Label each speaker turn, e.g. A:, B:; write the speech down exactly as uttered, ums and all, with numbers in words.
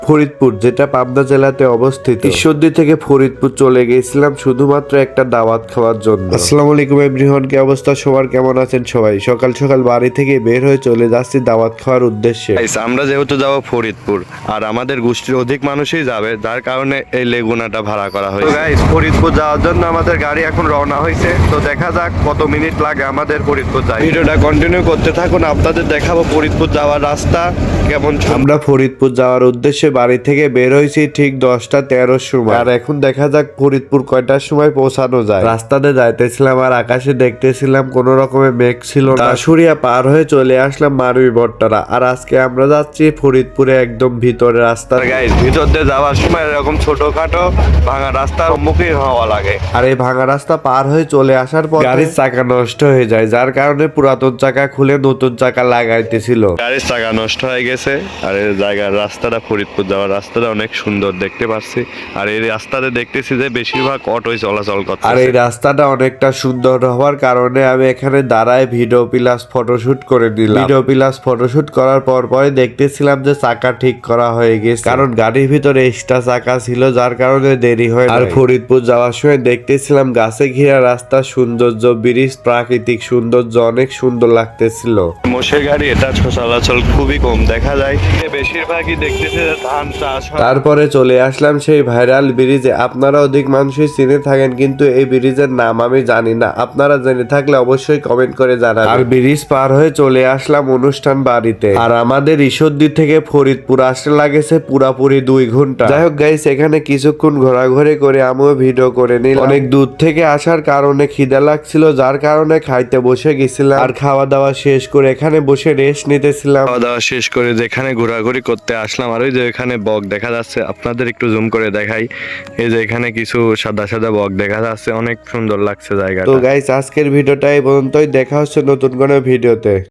A: ফরিদপুর, যেটা পাবনা জেলাতে অবস্থিত। ঈশ্বরদী থেকে ফরিদপুর চলে গেছিলাম শুধুমাত্র একটা দাওয়াত খাওয়ার জন্য। আসসালামু আলাইকুম এভরিওয়ান, কি অবস্থা সবার, কেমন আছেন সবাই? সকাল সকাল বাড়ি থেকে বের হয়ে চলে যাচ্ছি দাওয়াত খাওয়ার উদ্দেশ্যে।
B: আমরা যেহেতু যাবো ফরিদপুর আর আমাদের গোষ্ঠীর অধিক মানুষই যাবে, যার কারণে এই লেগুনাটা ভাড়া করা হয়েছে। গাইস, ফরিদপুর যাওয়ার জন্য আমাদের গাড়ি এখন রওনা হয়েছে। তো দেখা যাক কত মিনিট লাগে আমাদের ফরিদপুর যাই। ভিডিওটা কন্টিনিউ করতে থাকুন, আপনাদের দেখাবো ফরিদপুর যাওয়ার রাস্তা কেমন।
A: আমরা ফরিদপুর যাওয়ার উদ্দেশ্যে বাড়ি থেকে বের হয়েছি ঠিক দশটা তেরোর সময়। আর এখন দেখা যাক ফরিদপুর কয়টার সময় পৌঁছানো যায়। রাস্তাতে যাইতেছিলাম আর আকাশে দেখতেছিলাম কোন রকমের মেঘ ছিল না। দাসুরিয়া পার হয়ে চলে আসলাম মারুই বট্টারা। আর আজকে আমরা যাচ্ছি ফরিদপুরে একদম ভিতরে রাস্তা।
B: গাইস, ভিতর দিয়ে যাওয়ার সময় এরকম ছোটখাটো ভাঙা রাস্তার সম্মুখীন হওয়া লাগে।
A: আর এই ভাঙা রাস্তা পার হয়ে চলে আসার পর গাড়ির চাকা নষ্ট হয়ে যায়, যার কারণে পুরাতন চাকা খুলে নতুন চাকা লাগাইতেছিল।
B: গাড়ির চাকা নষ্ট হয়ে গেছে। আর এই জায়গার রাস্তাটা, ফরিদপুর যাওয়ার রাস্তাটা অনেক সুন্দর দেখতে পাচ্ছি। আর এই রাস্তাতে দেখতেছি যে বেশিরভাগ অটোই চলাচল করছে।
A: আর এই রাস্তাটা অনেকটা সুন্দর হওয়ার কারণে আমি এখানে দাঁড়ায় ভিডিও প্লাস ফটোশুট করে দিলাম। ভিডিও প্লাস ফটোশুট করার পর পরে দেখতেছিলাম যে চাকা ঠিক করা হয়ে গেছে, কারণ গাড়ির ভিতরে এক্সট্রা চাকা ছিল, যার কারণে দেরি হয়। আর ফরিদপুর যাওয়ার সময় দেখতেছিলাম গাছে ঘেরা রাস্তা, সৌন্দর্য, ব্রিজ, প্রাকৃতিক সৌন্দর্য অনেক সুন্দর লাগতেছিল।
B: মোষের গাড়ি এটা চলাচল খুবই কম দেখা যায়, বেশিরভাগই দেখতেছে যে ধান চাষ হয়।
A: তারপরে চলে আসলাম সেই ভাইরাল ব্রিজে। আপনারা অধিক মানুষই চিনে থাকেন, কিন্তু এই ব্রিজের নাম আমি জানি না। আপনারা জেনে থাকলে অবশ্যই কমেন্ট করে জানাবেন। আর ব্রিজ পার হয়ে চলে আসলাম অনুষ্ঠান বাড়িতে। আর আমাদের ঈশ্বরদী থেকে ফরিদপুর আসতে লাগেছে পুরাপুরি দুই ঘন্টা। যাই হোক গাইস, এখানে কিছুক্ষণ ঘোরাঘুরি করে আমিও ভিডিও করে নিলাম। অনেক দূর থেকে আসার কারণে খিদা লাগছিল, যার কারণে খাইতে বসে গেছিলাম। আর খাওয়া দাওয়া শেষ করে এখানে বসে রেস্ট নিতেছিলাম।
B: খাওয়া দাওয়া শেষ করে যেখানে ঘোরাঘুরি করতে আসলাম, আর ওই যে এখানে বক দেখা যাচ্ছে, আপনাদের একটু জুম করে দেখাই। এই যে এখানে কিছু সাদা সাদা বক দেখা যাচ্ছে, অনেক সুন্দর লাগছে জায়গাটা।
A: তো গাইস, আজকের ভিডিওটা এই পর্যন্তই। দেখা হচ্ছে নতুন কোনো ভিডিওতে।